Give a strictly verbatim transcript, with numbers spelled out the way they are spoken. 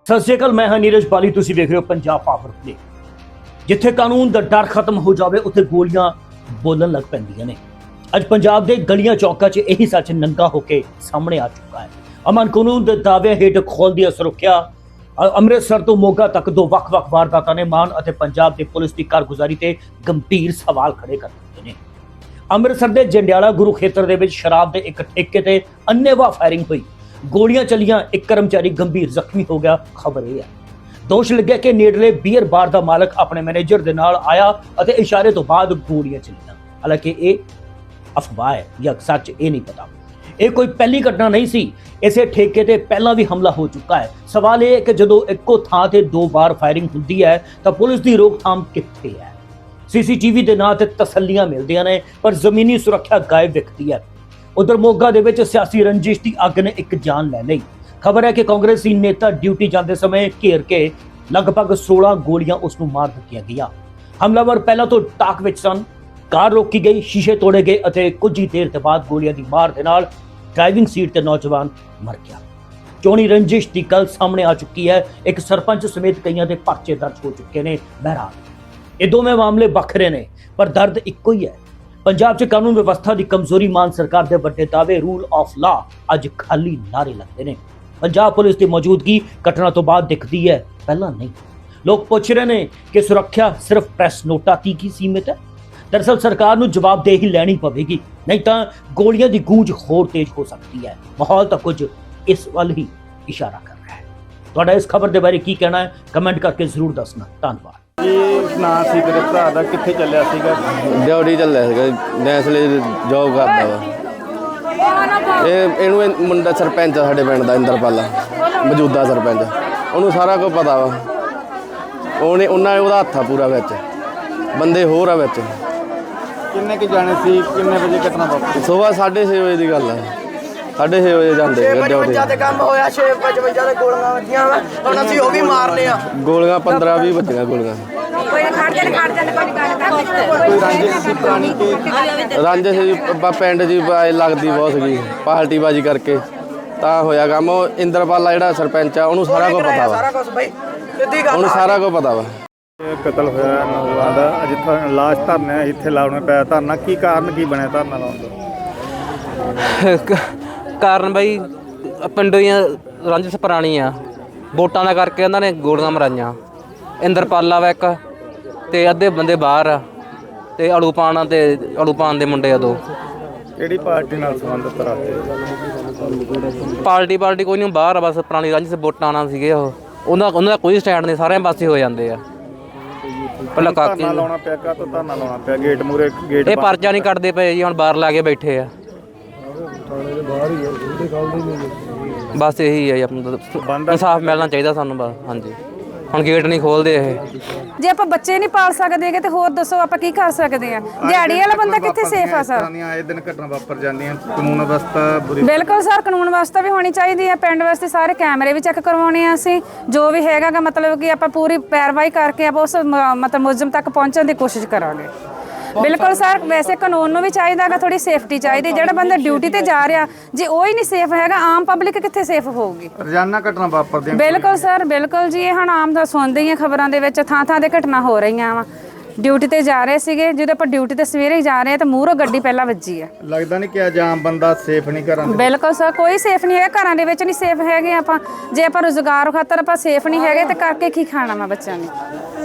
ਸਤਿ ਸ਼੍ਰੀ ਅਕਾਲ, ਮੈਂ ਹਾਂ ਨੀਰਜ ਬਾਲੀ। ਤੁਸੀਂ ਵੇਖ ਰਹੇ ਹੋ ਪੰਜਾਬ ਪਾਵਰ ਪਲੇ। ਜਿੱਥੇ ਕਾਨੂੰਨ ਦਾ ਡਰ ਖਤਮ ਹੋ ਜਾਵੇ ਉੱਥੇ ਗੋਲੀਆਂ ਬੋਲਣ ਲੱਗ ਪੈਂਦੀਆਂ ਨੇ। ਅੱਜ ਪੰਜਾਬ ਦੇ ਗਲੀਆਂ ਚੌਕਾਂ 'ਚ ਇਹੀ ਸੱਚ ਨੰਗਾ ਹੋ ਕੇ ਸਾਹਮਣੇ ਆ ਚੁੱਕਾ ਹੈ। ਅਮਨ ਕਾਨੂੰਨ ਦੇ ਦਾਅਵੇ ਹੇਠ ਖੋਲ੍ਹਦੀ ਸੁਰੱਖਿਆ ਅੰਮ੍ਰਿਤਸਰ ਤੋਂ ਮੋਗਾ ਤੱਕ ਦੋ ਵੱਖ-ਵੱਖ ਵਾਰਦਾਤਾਂ ਨੇ ਮਾਨ ਅਤੇ ਪੰਜਾਬ ਦੀ ਪੁਲਿਸ ਦੀ ਕਾਰਗੁਜ਼ਾਰੀ ਤੇ ਗੰਭੀਰ ਸਵਾਲ ਖੜੇ ਕਰ ਦਿੱਤੇ ਨੇ। ਅੰਮ੍ਰਿਤਸਰ ਦੇ ਜੰਡਿਆਲਾ ਗੁਰੂ ਖੇਤਰ ਦੇ ਵਿੱਚ ਸ਼ਰਾਬ ਦੇ ਇੱਕ ਠੇਕੇ ਤੇ ਅੰਨ੍ਹੇਵਾਹ ਫਾਇਰਿੰਗ ਹੋਈ। ਗੋਲੀਆਂ ਚੱਲੀਆਂ, ਇੱਕ ਕਰਮਚਾਰੀ ਗੰਭੀਰ ਜ਼ਖਮੀ ਹੋ ਗਿਆ। ਖਬਰ ਇਹ ਹੈ, ਦੋਸ਼ ਲੱਗਿਆ ਕਿ ਨੇੜਲੇ ਬੀਅਰ ਬਾਰ ਦਾ ਮਾਲਕ ਆਪਣੇ ਮੈਨੇਜਰ ਦੇ ਨਾਲ ਆਇਆ ਅਤੇ ਇਸ਼ਾਰੇ ਤੋਂ ਬਾਅਦ ਗੋਲੀਆਂ ਚੱਲੀਆਂ। ਹਾਲਾਂਕਿ ਇਹ ਅਫਵਾਹ ਹੈ ਜਾਂ ਸੱਚ, ਇਹ ਨਹੀਂ ਪਤਾ। ਇਹ ਕੋਈ ਪਹਿਲੀ ਘਟਨਾ ਨਹੀਂ ਸੀ। ਇਸੇ ਠੇਕੇ ਤੇ ਪਹਿਲਾਂ ਵੀ ਹਮਲਾ ਹੋ ਚੁੱਕਾ ਹੈ। ਸਵਾਲ ਇਹ ਹੈ ਕਿ ਜਦੋਂ ਇੱਕੋ ਥਾਂ ਤੇ ਦੋ ਵਾਰ ਫਾਇਰਿੰਗ ਹੁੰਦੀ ਹੈ ਤਾਂ ਪੁਲਿਸ ਦੀ ਰੋਕਥਾਮ ਕਿੱਥੇ ਹੈ? ਸੀਸੀਟੀਵੀ ਦੇ ਨਾਂ ਤੇ ਤਸੱਲੀਆਂ ਮਿਲਦੀਆਂ ਨੇ ਪਰ ਜ਼ਮੀਨੀ ਸੁਰੱਖਿਆ ਗਾਇਬ ਦਿਖਦੀ ਹੈ। ਉਧਰ ਮੋਗਾ ਦੇ ਵਿੱਚ ਸਿਆਸੀ ਰੰਜਿਸ਼ ਦੀ ਅੱਗ ਨੇ ਇੱਕ ਜਾਨ ਲੈ ਲਈ। ਖਬਰ ਹੈ ਕਿ ਕਾਂਗਰਸੀ ਨੇਤਾ ਡਿਊਟੀ ਜਾਂਦੇ ਸਮੇਂ ਘੇਰ ਕੇ ਲਗਭਗ ਸੋਲਾਂ ਗੋਲੀਆਂ ਉਸ ਨੂੰ ਮਾਰ ਦਿੱਤੀਆਂ ਗਈਆਂ। ਹਮਲਾਵਰ ਪਹਿਲਾਂ ਤੋਂ ਟਾਕ ਵਿੱਚ ਸਨ। ਕਾਰ ਰੋਕੀ ਗਈ, ਸ਼ੀਸ਼ੇ ਤੋੜੇ ਗਏ ਅਤੇ ਕੁਝ ਹੀ ਦੇਰ ਦੇ ਬਾਅਦ ਗੋਲੀਆਂ ਦੀ ਮਾਰ ਦੇ ਨਾਲ ਡਰਾਈਵਿੰਗ ਸੀਟ ਤੇ ਨੌਜਵਾਨ ਮਰ ਗਿਆ। ਚੋਣੀ ਰੰਜਿਸ਼ ਦੀ ਗੱਲ ਸਾਹਮਣੇ ਆ ਚੁੱਕੀ ਹੈ। ਇੱਕ ਸਰਪੰਚ ਸਮੇਤ ਕਈਆਂ ਦੇ ਪਰਚੇ ਦਰਜ ਹੋ ਚੁੱਕੇ ਨੇ। ਬਹਿਰਾਲ ਇਹ ਦੋਵੇਂ ਮਾਮਲੇ ਵੱਖਰੇ ਨੇ ਪਰ ਦਰਦ ਇੱਕੋ ਹੀ ਹੈ। ਪੰਜਾਬ 'ਚ ਕਾਨੂੰਨ ਵਿਵਸਥਾ ਦੀ ਕਮਜ਼ੋਰੀ, ਮਾਨ ਸਰਕਾਰ ਦੇ ਵੱਡੇ ਦਾਅਵੇ, ਰੂਲ ਆਫ ਲਾ ਅੱਜ ਖਾਲੀ ਨਾਰੇ ਲੱਗਦੇ ਨੇ। ਪੰਜਾਬ ਪੁਲਿਸ ਦੀ ਮੌਜੂਦਗੀ ਘਟਨਾ ਤੋਂ ਬਾਅਦ ਦਿਖਦੀ ਹੈ, ਪਹਿਲਾਂ ਨਹੀਂ। ਲੋਕ ਪੁੱਛ ਰਹੇ ਨੇ ਕਿ ਸੁਰੱਖਿਆ ਸਿਰਫ ਪ੍ਰੈਸ ਨੋਟਾਂ ਤੱਕ ਹੀ ਸੀਮਿਤ ਹੈ। ਦਰਅਸਲ ਸਰਕਾਰ ਨੂੰ ਜਵਾਬਦੇਹੀ ਲੈਣੀ ਪਵੇਗੀ, ਨਹੀਂ ਤਾਂ ਗੋਲੀਆਂ ਦੀ ਗੂੰਜ ਹੋਰ ਤੇਜ਼ ਹੋ ਸਕਦੀ ਹੈ। ਮਾਹੌਲ ਤਾਂ ਕੁਝ ਇਸ ਵੱਲ ਹੀ ਇਸ਼ਾਰਾ ਕਰ ਰਿਹਾ ਹੈ। ਤੁਹਾਡਾ ਇਸ ਖਬਰ ਦੇ ਬਾਰੇ ਕੀ ਕਹਿਣਾ ਹੈ? ਕਮੈਂਟ ਕਰਕੇ ਜ਼ਰੂਰ ਦੱਸਣਾ। ਧੰਨਵਾਦ। ਇਹ ਨਾਂ ਸੀ ਤੇਰੇ ਭਰਾ ਦਾ, ਕਿੱਥੇ ਚੱਲਿਆ ਸੀਗਾ? ਡਿਊਟੀ ਚੱਲਿਆ ਸੀਗਾ, ਨੈਸਲੇ ਜੋਬ ਕਰਦਾ ਵਾ। ਇਹ ਇਹਨੂੰ ਇਹ ਮੁੰਡਾ ਸਰਪੰਚ ਆ ਸਾਡੇ ਪਿੰਡ ਦਾ, ਇੰਦਰਪਾਲਾ, ਮੌਜੂਦਾ ਸਰਪੰਚ। ਉਹਨੂੰ ਸਾਰਾ ਕੁਝ ਪਤਾ ਵਾ। ਉਹਨੇ ਉਹਨਾਂ ਉਹਦਾ ਹੱਥ ਆ ਪੂਰਾ ਵਿੱਚ, ਬੰਦੇ ਹੋਰ ਆ ਵਿੱਚ। ਕਿੰਨੇ ਕੁ ਜਾਣੇ ਸੀ? ਕਿੰਨੇ ਵਜੇ ਘਟਨਾ ਵਾਪਰੀ? ਸੁਬਾਹ ਸਾਢੇ ਛੇ ਵਜੇ ਦੀ ਗੱਲ ਆ। ਸਾਢੇ ਛੇ ਵਜੇ ਜਾਂਦੇ ਡਿਊਟੀ ਤੇ ਕੰਮ ਹੋਇਆ। ਛੇ ਪਚਵੰਜਾ ਦੇ ਗੋਲੀਆਂ ਵੱਜੀਆਂ ਵਾ, ਹੁਣ ਅਸੀਂ ਉਹ ਵੀ ਮਾਰਨੇ ਆ। ਗੋਲੀਆਂ ਪੰਦਰਾਂ ਵੀਹ ਵੱਜੀਆਂ ਗੋਲੀਆਂ। ਕੋਈ ਖੜ ਜਾਂਦੇ ਖੜ ਜਾਂਦੇ ਕੋਈ ਗੱਲ ਕੋਈ ਰੰਜਿਸ਼ ਸੀ ਪੁਰਾਣੀ ਕਿ ਰਾਂਝੇ ਸੀ ਪਿੰਡ ਜੀ ਲੱਗਦੀ ਬਹੁਤ ਸੀਗੀ, ਪਾਰਟੀਬਾਜ਼ੀ ਕਰਕੇ ਤਾਂ ਹੋਇਆ ਕੰਮ। ਉਹ ਇੰਦਰਪਾਲਾ ਜਿਹੜਾ ਸਰਪੰਚ ਆ ਉਹਨੂੰ ਸਾਰਾ ਕੁਝ ਪਤਾ ਵਾ। ਸਾਰਾ ਕੁਝ ਬਈ ਸਿੱਧੀ ਗੱਲ, ਉਹਨੂੰ ਸਾਰਾ ਕੁਝ ਪਤਾ ਵਾ। ਇਹ ਕਤਲ ਹੋਇਆ ਨੌਜਵਾਨ ਦਾ, ਜਿੱਥੇ ਲਾਸ਼ ਧਰਨਾ ਇੱਥੇ ਲਾਉਣਾ ਪਿਆ ਧਰਨਾ। ਕੀ ਕਾਰਨ ਕੀ ਬਣਿਆ ਧਰਨਾ ਲਾਉਣ ਦਾ? ਕਾਰਨ ਬਈ ਪਿੰਡੋਂ ਹੀ ਰੰਜਿਸ਼ ਪੁਰਾਣੀ ਆ, ਵੋਟਾਂ ਦਾ ਕਰਕੇ ਉਹਨਾਂ ਨੇ ਗੋਲੀਆਂ ਮਰਾਈਆਂ। ਇੰਦਰਪਾਲਾ ਵਾ ਇੱਕ ਤੇ ਅੱਧੇ ਬੰਦੇ ਬਾਹਰ ਆ ਤੇ ਅਲੂਪਾਨ ਤੇ ਅਲੂਪਾਨ ਦੇ ਮੁੰਡੇ ਆ ਦੋ। ਕਿਹੜੀ ਪਾਰਟੀ ਨਾਲ ਸੰਬੰਧਿਤ ਰੱਖਦੇ? ਪਾਰਟੀ ਪਾਰਟੀ ਕੋਈ ਨਹੀਂ, ਬਾਹਰ ਆ ਬਸ। ਪੁਰਾਣੀ ਰੰਜਿਸ਼ ਵੋਟਾਂ ਨਾਲ ਸੀਗੇ ਉਹ। ਉਹਨਾਂ ਉਹਨਾਂ ਦਾ ਕੋਈ ਸਟੈਂਡ ਨਹੀਂ, ਸਾਰਿਆਂ ਪਾਸੇ ਹੋ ਜਾਂਦੇ ਆ। ਪਹਿਲਾਂ ਕਾਕੀ ਧਰਨਾ ਲਾਉਣਾ ਪਿਆ, ਕਾ ਤੋਂ ਧਰਨਾ ਲਾਉਣਾ ਪਿਆ? ਗੇਟ ਮੂਰੇ ਗੇਟ ਇਹ ਪਰਚਾ ਨਹੀਂ ਕੱਢਦੇ ਪਏ ਜੀ, ਹੁਣ ਬਾਹਰ ਲਾ ਕੇ ਬੈਠੇ ਆ। ਬਸ ਇਹੀ ਹੈ ਜੀ, ਆਪਣਾ ਇਨਸਾਫ ਮਿਲਣਾ ਚਾਹੀਦਾ ਸਾਨੂੰ ਬਸ। ਹਾਂਜੀ, ਹੁਣ ਗੇਟ ਨਹੀਂ ਖੋਲਦੇ ਇਹ। ਜੇ ਆਪਾਂ ਬੱਚੇ ਨਹੀਂ ਪਾਲ ਸਕਦੇ ਹੈਗੇ ਤੇ ਹੋਰ ਦੱਸੋ ਆਪਾਂ ਕੀ ਕਰ ਸਕਦੇ ਆ? ਦਿਹਾੜੀ ਵਾਲਾ ਬੰਦਾ ਕਿੱਥੇ ਸੇਫ ਆ ਸਰ? ਆਏ ਦਿਨ ਘਟਨਾ ਵਾਪਰ ਜਾਂਦੀਆਂ, ਕਾਨੂੰਨ ਵਿਵਸਥਾ ਬੁਰੀ। ਬਿਲਕੁਲ ਸਰ, ਕਾਨੂੰਨ ਵਿਵਸਥਾ ਵੀ ਹੋਣੀ ਚਾਹੀਦੀ ਹੈ। ਪਿੰਡ ਵਾਸਤੇ ਸਾਰੇ ਕੈਮਰੇ ਵੀ ਚੈੱਕ ਕਰਵਾਉਣੇ ਆ ਅਸੀਂ। ਜੋ ਵੀ ਹੈਗਾ ਗਾ ਮਤਲਬ ਕਿ ਆਪਾਂ ਪੂਰੀ ਪੈਰਵਾਈ ਕਰਕੇ ਆਪਾਂ ਉਸ ਮ- ਮਤਲਬ ਮੁਲਜ਼ਮ ਤੱਕ ਪਹੁੰਚਣ ਦੀ ਕੋਸ਼ਿਸ਼ ਕਰਾਂਗੇ। ਬਿਲਕੁਲ ਸਰ, ਵੈਸੇ ਕਾਨੂੰਨ ਨੂੰ ਵੀ ਚਾਹੀਦਾ ਗਾ, ਥੋੜੀ ਸੇਫਟੀ ਚਾਹੀਦੀ। ਜਿਹੜਾ ਬੰਦਾ ਡਿਊਟੀ ਤੇ ਜਾ ਰਿਹਾ, ਜੇ ਉਹ ਹੀ ਨਹੀਂ ਸੇਫ ਹੈਗਾ, ਆਮ ਪਬਲਿਕ ਕਿੱਥੇ ਸੇਫ ਹੋਊਗੀ? ਰੋਜ਼ਾਨਾ ਘਟਨਾ ਵਾਪਰਦੀਆਂ। ਬਿਲਕੁਲ ਸਰ, ਬਿਲਕੁਲ ਜੀ। ਇਹ ਹੁਣ ਆਮ ਦਾ ਸੁਣਦੇ ਹੀ ਆ ਖਬਰਾਂ ਦੇ ਵਿੱਚ, ਥਾਂ ਥਾਂ ਤੇ ਘਟਨਾ ਹੋ ਰਹੀਆਂ ਵਾ। ਡਿਊਟੀ ਤੇ ਜਾ ਰਹੇ ਸੀਗੇ, ਜਦੋਂ ਆਪਾਂ ਡਿਊਟੀ ਤੇ ਸਵੇਰੇ ਹੀ ਜਾ ਰਹੇ ਆ ਤਾਂ ਮੂਹਰੋਂ ਗੱਡੀ ਪਹਿਲਾਂ ਵੱਜੀ ਆ। ਲੱਗਦਾ ਨਹੀਂ ਕਿ ਅੱਜ ਆਮ ਬੰਦਾ ਸੇਫ ਨਹੀਂ ਘਰਾਂ ਦੇ? ਬਿਲਕੁਲ ਸਰ, ਕੋਈ ਸੇਫ ਨਹੀਂ ਹੈਗਾ, ਘਰਾਂ ਦੇ ਵਿੱਚ ਨਹੀਂ ਸੇਫ ਹੈਗੇ ਆਪਾਂ। ਜੇ ਆਪਾਂ ਰੁਜ਼ਗਾਰ ਖਾਤਰ ਆਪਾਂ ਸੇਫ ਨਹੀਂ ਹੈਗੇ ਤੇ ਕਰਕੇ ਕੀ ਖਾਣਾ ਵਾ ਬੱਚਿਆਂ ਨੇ?